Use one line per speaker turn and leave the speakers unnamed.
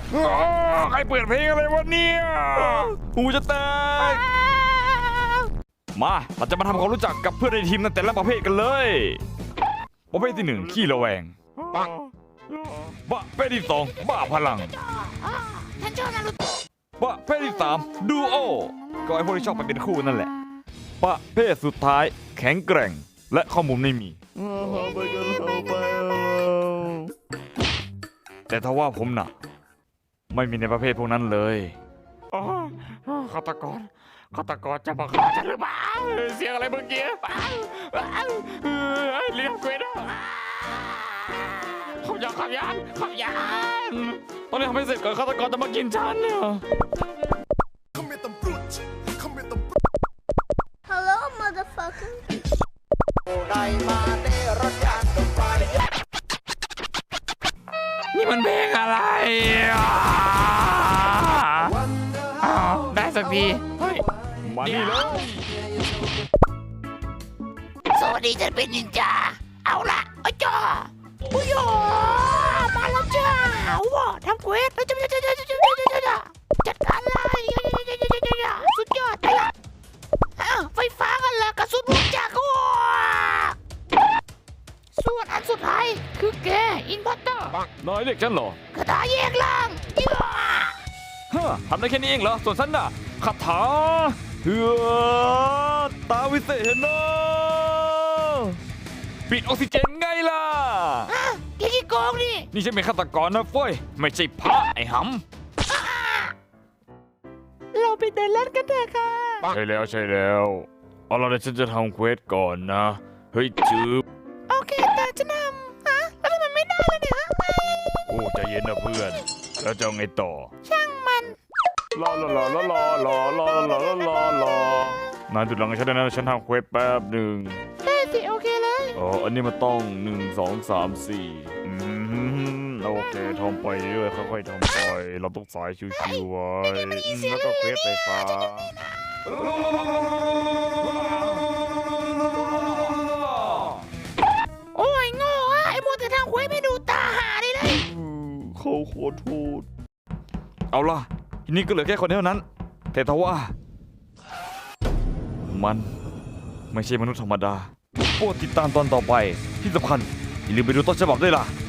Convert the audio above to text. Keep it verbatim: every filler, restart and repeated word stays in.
ใครเปิดเพลงอะไรวะเนี่ยหูจะแตกมาเราจะมาทำความรู้จักกับเพื่อนในทีมในแต่ละประเภทกันเลยประเภทที่หนึ่งขี้ระแวงประเภทที่สองบ้าพลังประเภทที่สามดูโอก็ไอพวกที่ชอบไปเป็นคู่นั่นแหละประเภทสุดท้ายแข็งแกร่งและข้อมูลไม่มีแต่ถ้าว่าผมน่ะไม่มีในประเภทพวกนั้นเลยฆาตกรฆาตกรจะมาฆ่าฉันหรือเปล่าเสียงอะไรเมื่อกี้เรียกเกรดขับยานขับยานขับยานตอนนี้ทำให้เสร็จก่อนฆาตกรจะมากินฉันเนี่ย
Hello motherfucker
นี่มันเพลงอะไรอ้าวได้สักทีเฮ้ยมานี่เลย
สวัสดีฉันเป็นนินจาเอาละอ้จ้าอุ้ยมาแล้วจ้าว้าทำเควสจัดจัดการเลยสุดยอดไปละไฟฟ้ากันละกระสุนลูกจาก็ส่วนอันสุดท้ายคือแกอินพัตเตอร์
นายเรียกฉันเหรอก
ระดาษแยกล่างเยอะ
ฮะทำได้แค่นี้เองเหรอส่วนฉันน่ะคาถาเฮือตาวิเศษเนาะปิดออกซิเจนไงล่ะ
แกขี้โกงนี่
นี่ฉันเป็นฆาตกรนะเฟ้ยไม่ใช่พระไอ้หำ
เราไปเดินเล่นกันเถอะค่ะ
ใช่แล้วใช่แล้วเอาล่ะเดี๋ยวฉันจะทำเควสก่อนนะเฮ้ยจืบ
โอเคแต่จะนำฮะแล้วทำไมไม่ได้ล่ะเนี่ย
โอ้ใจเย็นนะเพื่อนแล้วจะเอาไงต่อ
ช่างมัน
รอรอรอรอรอรอรอรอรอรอรอนายจุดหลังฉันนะฉันทำเควสแป๊บหนึ่ง
ได้สิโอเคเลย
อ๋ออันนี้มันต้องหนึ่งสองสามสี่อืมโอเคทำไปเรื่อยค่อยๆทำไปเราต้องสายชิวๆไว้แล้วก็เควสไฟฟ้า
โอ้ยโง่อะไอ้โมแต่ทางคุยไม่ดูตาหาได้เลย
เขาขอโทษเอาล่ะทีนี้ก็เหลือแค่คนเดียวนั้นแต่ทว่ามันไม่ใช่มนุษย์ธรรมดาโปรดติดตามตอนต่อไปที่สำคัญอย่าลืมไปดูต้นฉบับด้วยล่ะ